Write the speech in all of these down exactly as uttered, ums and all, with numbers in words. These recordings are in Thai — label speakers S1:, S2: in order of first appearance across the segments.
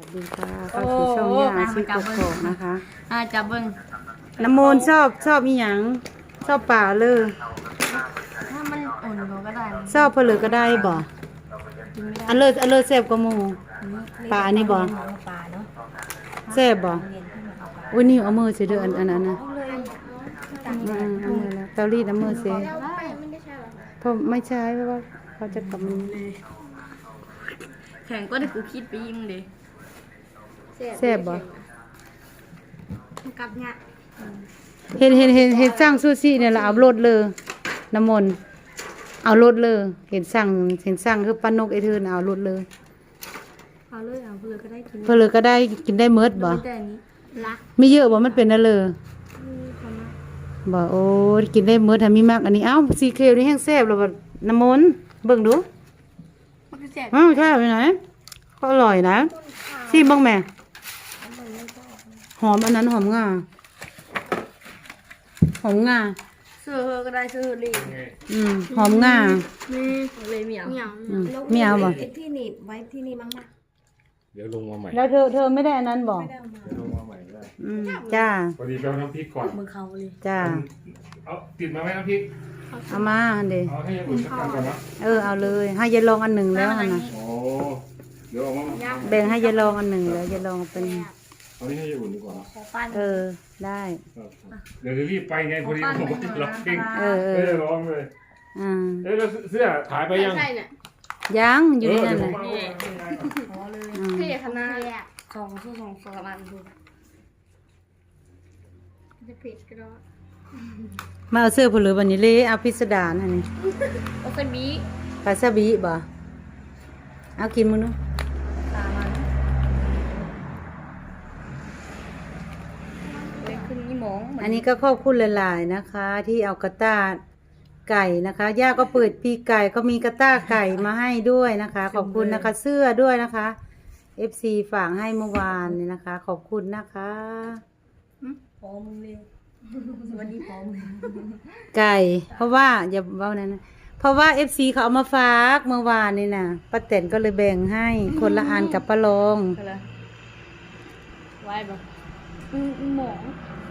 S1: ดีค่ะเข้าสู่ช่องยาอาชีพกกอกนะคะ
S2: อ่าจับเบิ้ง
S1: น้ำมนต์ชอบชอบอีหยังชอบป่าเลย
S2: ถ้ามันอุ่นก็ได้
S1: ชอบเพลือก็ได้บ่อันเลิศอันเลิศแซ่บกว่าหมูป่าอันนี้บ่แซ่บบ่อุ้ยนี่เอามือสิเด้ออันอันนั้นนะอืมเอามือแล้วเตารีดเอามือสิเพราะไม่ใช่เพราะว่าเขาจะกลับมัน
S2: แข่งก็ได้กูคิดไปยิงเลย
S1: แซ่บบ่
S2: กับเนี่ย
S1: เห็นเห็นเห็นเห็นสร้างซูชิเนี่ยเราเอารถเลยน้ำมนต์เอารถเลยเห็นสั่งเห็นสั่งคือปานกไอเธอเอารถเลย
S2: เอาเลยเอาเลยก็ได้กิน
S1: เพลือก็ได้กินได้เมิดบ่
S2: แต่นี้รัก
S1: ไม่เยอะบ่มันเป็นนั่นเลยบ่โอ้กินได้เมิดถ้ามีมากอันนี้เอ้าซีเคลนี่แห้งแซ่บแล้วบ่น้ำมนต์เบิ่งดู
S2: มันคือแซ่บ
S1: อ้าวใช่ไปไหนก็อร่อยนะซีบ้างแม่หอมอันนั้นหอมงาหอมงา
S2: ซื้อก็ได้ซื้อเลย
S1: อืมหอมงา
S2: นี่เลยเหมียวเหมียว
S1: อืมไม่เอาบ่
S3: ที่หนีบไว้ที่นี่มั้งนะ
S4: เดี๋ยวลงมาใหม่
S1: แล้วเธอเธอไม่ได้อันนั้นบ่
S3: ไม่ได้เอามา
S4: เดี๋ยวลงมาใหม่ได้
S1: อืมจ้า
S4: พอดีไปเอาน้ำพริกก่อน
S2: มือเขาเลย
S1: จ้า
S4: เอาติดมาไหมน้ำพริก
S1: เอามาอันเด
S4: เอาให้อุ่นสักกันก่อนนะ
S1: เออเอาเลยให้ยายลองอันหนึ่งแล้วหั่นน่ะ
S4: โอ้เดี๋ยวเอามา
S1: แบ่งให้ยายลองอันหนึ่งแล้วยายลองเป็น
S4: เอานี้ให้อุ่นดีกว่านะ
S2: ขอปั้น
S1: เออได้
S4: เดี๋ยวจะรีบไปไงพอดีผมก็ติดล็อกกิ้ง
S1: เออเอ
S4: เอ
S1: อ
S4: อร้องเลย
S1: อ่า
S4: เอ้ยแล้วเสื้อถ่ายไปยัง
S2: ใช่เนี่ย
S1: ยังอยู่ใน
S4: เออ
S1: นั้น
S4: เดี๋ยว
S1: น่ะ
S4: ผมเอา
S2: ขอเลย
S1: อืม
S2: พี่คณะของสู้สองสองอันดูจะผิดก็ได้
S1: มาเอาเสื้อผู้เหลือบัดนี้เลยเอาพิสดารอันนี้
S2: โอเคบี
S1: ปลาซาบิบ่เอากินมื้อนู้
S2: ตามันเลยขึ้นนี่หมอง
S1: อันนี้ก็ขอบคุณหลายๆนะคะ ที่เอากระต้าไก่นะคะย่าก็เปิดปีไก่ก็มีกระต้าไก่มาให้ด้วยนะคะ ขอบคุณนะคะ เสื้อด้วยนะคะ เอฟ ซี ฝากให้เมื่อวานนี่นะคะ ขอบคุณนะคะ
S2: พอมึงเลยวันนี้พอมึง
S1: ไก่ เพราะว่าอย่าเว้านั้นนะเพราะว่า เอฟ ซี เขาเอามาฝากเมื่อวานนี่นะป้าแตนก็เลยแบ่งให้คนละอันกับป้าลอง
S2: อะไรไว้บ่อืมหมอง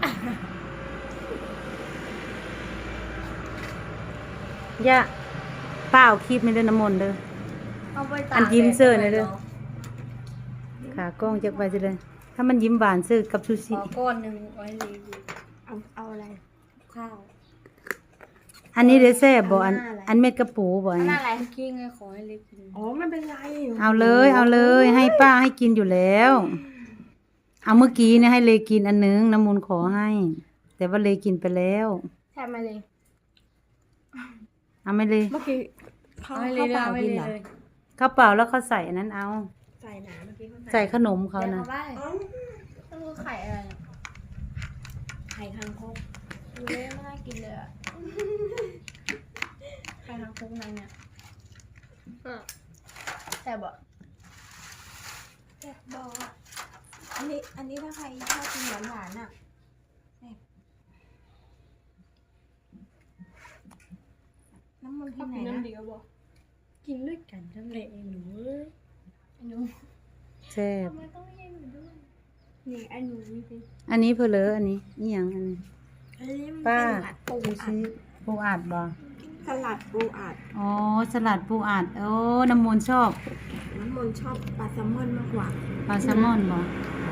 S1: ย่าป้าเอาคลิปไม่ได้น้ำมนต์เด้อ
S2: เอาไปตาก
S1: อันยิ้มเสื้อหน่อยเด้อ ขากล้องจะไปจะเลย ถ้ามันยิ้มหวานซื้อกับซู
S2: ข
S1: ชิ
S2: อก้อนหนึ่งไว้เลยเอาเอาอะไรข้าว
S1: อันนี้เด้แซ่บบ่อันอันเม็ดกระปูบ่อัน
S2: อัน
S1: นี้
S2: นั้นอะไรกิ้งไงขอให้เล็กกิน
S3: อ๋อไม่เป็นไร
S1: เอาเลยเอาเลย ให้ป้าให้กินอยู่แล้ว เอาเมื่อกี้เนี่ยให้เลกินอันนึงน้ำมูลขอให้ แต่ว่าเลกินไปแล้ว
S2: แทบไม่เลย
S1: เอาไม่เลย
S3: เมื่อกี้เขา
S2: เอาให้เล
S3: เขา
S2: ย
S3: เปล่า
S2: เอาให้
S3: กิน
S2: เล
S3: เหรอย
S1: ข้าวเปล่าแล้วเขาใส่อันนั้นเอา
S3: ใส่หนาเมื่อกี้เขา
S1: ใส่ขนมเขานะ
S2: ได้ต้องรู้ไข่อะไรอ่ะ
S3: ไข่ทางโคก
S2: ดูเลยไม่น่ากินเลยอ่ะไข่ทางคุกนั้นเนี่ยแต่บอก
S3: แต่บอกอ่ะอันนี้อันนี้ถ้าใครชอบกินหวานหวานๆอ่ะเนี่ยน้ำมัน
S2: ชอ
S3: ที่
S2: บ
S3: ไหน
S2: กิน
S3: นะ
S2: น้ำเดียวบอกกินด้วยกันทั้งเลยไอ้หนูเอ้ยไอ้หนู
S1: แซ่บ
S2: ทำไมต้องแย่งหนูด้วยนี่ไอ้หนูนี่สิ
S1: อันนี้เพอเลออันนี้นี่ยังอันนี้
S3: อันนี้มัน
S1: ป้า
S3: เป็นสลัดปู
S1: ดู
S3: อั
S1: ซิ
S3: ด
S1: ปูอัดบ่
S3: สลัดปูอัด
S1: อ๋อสลัดปูอัดโอ้น้ำมูลชอบ
S3: น้ำมันชอบปลาแซลมอนมากกว่า
S1: ปลาแซลมอนบ่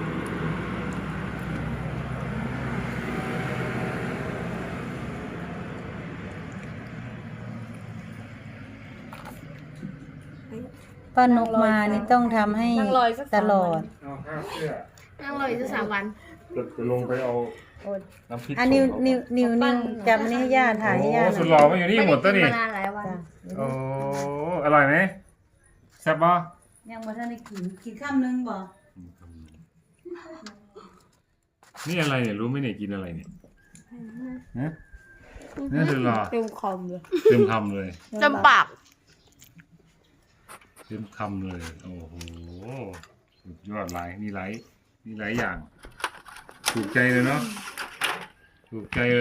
S1: ป้านกมานี่ต้องทำให้ตลอด
S4: เอาข้าวเสื้อ
S2: นั่งรออีกสักสามวัน
S4: จะจะลงไปเอาน้ำพริก
S1: อันนิ้ว
S4: ส่ง
S1: นิ้วนิ้วนิ้วจับอันนี้ให้ย่าถ่ายให้ย่า
S4: โอ้
S1: ห
S4: สุดห
S1: น่
S4: ล่
S1: อ
S4: อย มาอยู่นี่หมดตัวนี่
S2: ไได้กินมานานหลายวัน
S1: จ้ะ
S4: โอ้อร่อยไหมแซ่บป่ะ
S1: ยังบ่ทันได้กินกินข้ามนึงบ่
S4: นี่อะไรเนี่ยรู้ไหมเนี่ยกินอะไรเนี่ยฮะนี่สุดหล่อ
S2: เต็มคอมเลย
S4: เต็มคำเลย
S2: เต็มปาก
S4: เต็มคำเลย โอ้โหสุดยอดหลายนี่หลายนี่หลายอย่าง ถูกใจเลยเนาะถูกใจเลย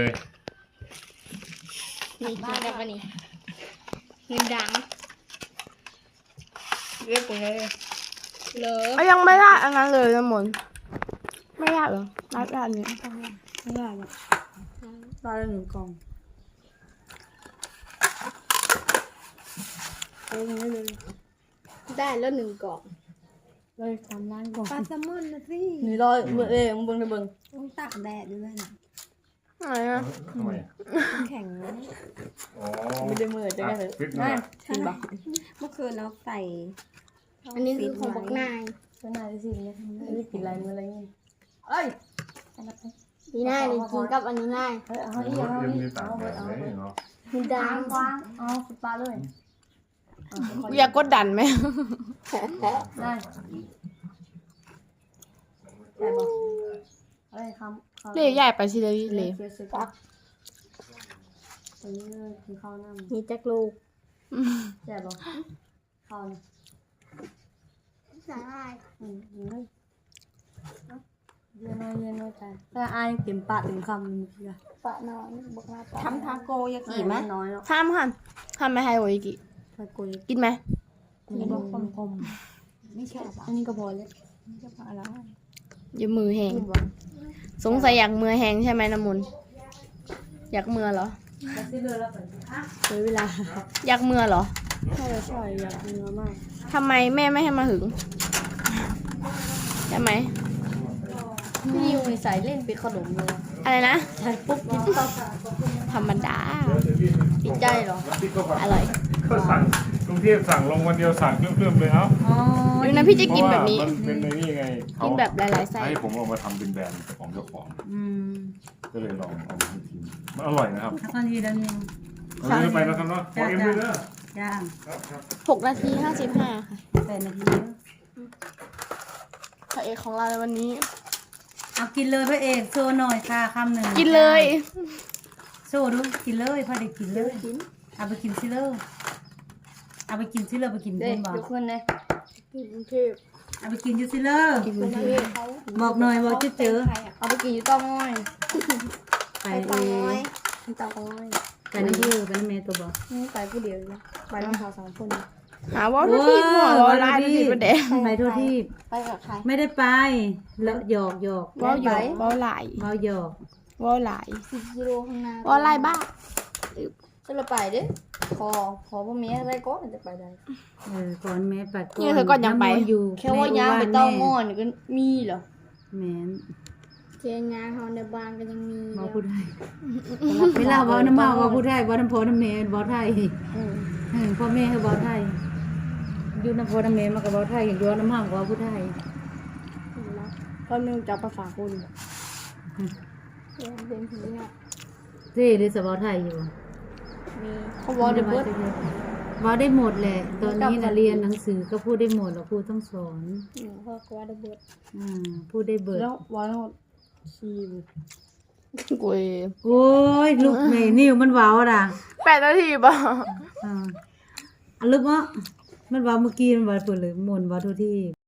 S2: นี่กินได้ปะนี่เงินดังเรียกไปเลยเลย
S5: เอายังไม่ได้อันนั้นเลยนะมนไม่ได้เหรอได้ได้อันนี้
S1: ไม่ได้หรอกได้ละหนึ่งกล่องเอาอย่างนี้เลย
S2: ได้แล้วหนึ่งกล่อง
S1: เลยตามร้านก่อน
S3: ปลาแซลมอนนะสิ
S1: นี่ร้อยเบิ่งเอ้ยมึงเบิ่งได้เบิ่ง
S3: ต้องตากแดดด้วยนะ
S5: อะไรนะ
S4: ทำไมอะ
S3: แข็งนะ
S4: อ๋อ
S1: ไม่ได้มือจะได้เลย
S4: ฟิต
S1: น่า
S4: นะ
S1: กินบ่
S3: เมื่อคืนเราใส่
S2: อันนี้คือของบักนาย
S1: ก็น่าจะสิเนี่ยไม่ได้กินอะไรมื้ออะไรนี่เอ้ย
S2: นี่นายเลยกินกับอันนี้นาย
S1: เฮ้ยเอา
S4: ยั
S1: อีกเอา
S4: ง
S1: อี
S4: มี
S1: ก
S4: ต่าง
S1: เอา
S4: แบ
S1: ไป
S4: บ
S1: เอา
S4: ไหน
S1: ไป
S4: เนาะ
S2: มีดางกว้าง
S1: เอาสุดปลาเลย
S5: อยากกดดันไหม
S1: ได้ใช่บ่เอ้ยคำคำ
S5: เล่ใหญ่ไปสิเลยเล่
S1: เสียสิครับตอนนี้กินข้าวน้ำ
S2: มีจักลูก
S5: อืม
S1: แซ่บบ่ข้าวนี่
S2: สาหร่าย
S1: อืมอืมเย็นน้อยเย็นน้อยใจแต่อายเต็มปากเต็มคำเมื่อกี้อะ
S2: ปะนอนบักนาปะ
S3: ทำทาโกยากิไหม
S1: น้อยเนาะ
S5: ทำค่ะทำไม่ให้โอยิกิ
S1: ถ้ากุย
S5: กินไหม
S1: นี่ก็คม
S3: ไม่ชอบ
S1: ๆอันนี้ก็พอแล้ว
S3: ไม่ชอบอะไร
S5: อย่ามือแหง
S1: กินบ่
S5: สงสัยอยากมือแหงใช่ไหมน้ำมนต์อยากมือเหรอ
S1: แล้วสิเลือแล้วไปเสียเวลา
S5: อยากมือเหรอ
S1: ใช่ใช่อยากกินมาก
S5: ทำไมแม่ไม่ให้มาหึงใช่ไหม
S1: พี่ยูใส่เล่นเป็นขนมเลย
S5: อะไรนะ
S1: ใส่ปุ๊บกินปั๊บ
S5: ธรรมดา
S1: ติดใจเหรอ
S4: แล้วพี่ก็แบบ
S5: อร่อย
S4: ก็สั่งกรุงเทพสั่งลงวันเดียวสั่งเพิ่มๆเลยเอ้า
S1: อ๋อ
S5: ดูนะพี่จะกินแบบนี้
S4: เพราะว่ามันเป็นในนี่ไงเขา
S5: กินแบบหลายๆไส้
S4: ให้ผมเอามาทำเป็นแบรนด์ของเจ้าของ
S1: อืม
S4: ก็เลยลองเอามาชิมมันอร่อยนะครับ
S1: ถ้าคนทีแล้วนี่
S4: เอาเลยไปแล้วครับเนาะขอเอ็มด้วยเด้อย่าง ครับครับ
S5: หกนาทีห้าสิบห้าค่ะ
S1: แปดนาที
S5: พระเอกของเราในวันนี้
S1: เอากินเลยพระเอกโชว์หน่อยค่ะคำหนึ่ง
S5: กินเลย
S1: โชว์ดูกินเลยพอได้กินเลยเอาไปกินซิเลยเอาไปกินซิเลยไปกิน
S2: เด็
S1: เพิ่
S2: ก
S1: มบอก
S2: ทุกคนเลยกินกรุงเทพ
S1: เอาไปกินอยูซิเลย
S5: กิน
S2: กรุง
S5: เท
S2: เท
S5: พ
S2: พเขา
S1: บอกหน่อยบอกจะเจอ
S3: ใครอ่ะ
S5: เอาไปกินอยู่เต้าง้อย
S1: ไป
S2: ไป
S1: เอ
S2: เตาน้อย
S1: ง
S5: เต้าง้อย
S1: ไปนั่นที่ไปนั่นเมย์ตัวบอก
S2: นี่ไปผู้เดียวเลยไปน้องสาวสองคน
S5: หาว่าทุกที่หัวร้อนลายทุกที่ประเด็น
S1: ไปทั่วที่
S2: ไปกับใคร
S1: ไม่ได้ไปแล้วหยอกหยอก
S5: ว่าหยอกว่าหลาย
S1: เมาหยอก
S5: ว่าหลาย
S2: สิบกิโลข้างหน้า
S5: ว่าหลายบ้า
S2: จะเราไปเด้ขอขอพ่อแม่อะไรก็จะไปได้
S1: เออก่อนแม่ปัด
S5: เนี่ยเธอก่อนยังไป
S1: ำมนต์อยู่
S2: แค่ว่าย่างไปเต้าง้อนก็มีเหรอ
S1: แม่น
S2: เทียนยางเขาในบ้านก็ยังมี
S1: เมาพูดไทยเวลาเว้าน้ำเมาเว้าพูดไทยเว้าน้ำพอน้ำเมย์เว้าไทย
S2: เออ
S1: เออพ่อแม่ให้เว้าไทยอยู่น้ำพอน้ำเมย์มันก็เว้าไทยอยู่น้ำห้างก็เว้าพูดไทย
S2: เพราะนึงจะภาษาคนเป็นผีเนาะ
S1: เท่เลยสเว้าไทยอยู่
S2: มี
S5: เขาบอกเดี๋ยวเบิด
S1: เว้าได้หมดแหละ ตอนนี้นะเรียนหนังสือก็พูดได้หมดแล้วครูต้องสอน
S2: หนูพ่อก็ว่าได้เบิด
S1: อ่าพูดได้เบิด
S2: แล้ววันทั้งหมดสี่
S5: กุย
S1: โอ้ยลูกแม่นิ้วมันเว้าด่ะ
S5: แปดนาทีป่ะ
S1: อ่าอันลึกวะมันเว้าเมื่อกี้มันเว้าเปิดเลยหมุนเว้าทุกที่